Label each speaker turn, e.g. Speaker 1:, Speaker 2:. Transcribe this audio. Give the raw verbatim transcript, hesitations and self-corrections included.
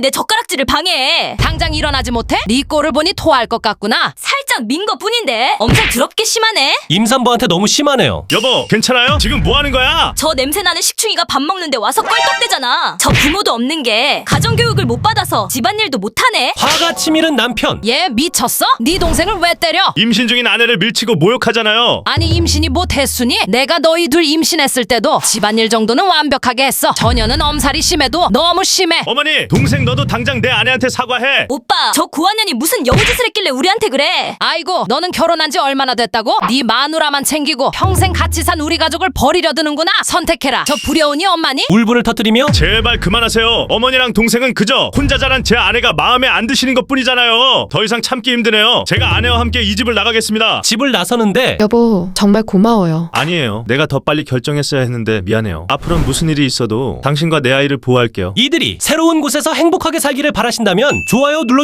Speaker 1: 내 젓가락질을 방해해.
Speaker 2: 당장 일어나지 못해? 네 꼴을 보니 토할 것 같구나.
Speaker 1: 살짝 민 것 뿐인데 엄청 더럽게 심하네.
Speaker 3: 임산부한테 너무 심하네요.
Speaker 4: 여보, 괜찮아요? 지금 뭐 하는 거야?
Speaker 1: 저 냄새나는 식충이가 밥 먹는데 와서 껄떡대잖아. 저 부모도 없는 게 가정교육을 못 받아서 집안일도 못하네.
Speaker 3: 화가 치밀은 남편.
Speaker 2: 얘 미쳤어? 네 동생을 왜 때려?
Speaker 4: 임신 중인 아내를 밀치고 모욕하잖아요.
Speaker 2: 아니 임신이 못했으니 내가 너희 둘 임신했을 때도 집안일 정도는 완벽하게 했어. 전혀는 엄살이 심해도 너무 심해.
Speaker 4: 어머니, 동생 너도 당장 내 아내한테 사과해.
Speaker 1: 오빠, 저 고한년이 무슨 여우짓을 했길래 우리한테 그래.
Speaker 2: 아이고 너는 결혼한 지 얼마나 됐다고? 네 마누라만 챙기고 평생 같이 산 우리 가족을 버리려 드는구나. 선택해라. 저 불효운이 엄마니?
Speaker 3: 울분을 터뜨리며
Speaker 4: 제발 그만하세요. 어머니랑 동생은 그저 혼자 자란 제 아내가 마음에 안 드시는 것뿐이잖아요. 더 이상 참기 힘드네요. 제가 아내와 함께 이 집을 나가겠습니다.
Speaker 3: 집을 나서는데
Speaker 5: 여보, 정말 고마워요.
Speaker 4: 아니에요. 내가 더 빨리 결정했어야 했는데 미안해요. 앞으로는 무슨 일이 있어도 당신과 내 아이를 보호할게요.
Speaker 3: 이들이 새로운 곳에서 행복하게 살기를 바라신다면 좋아요 눌러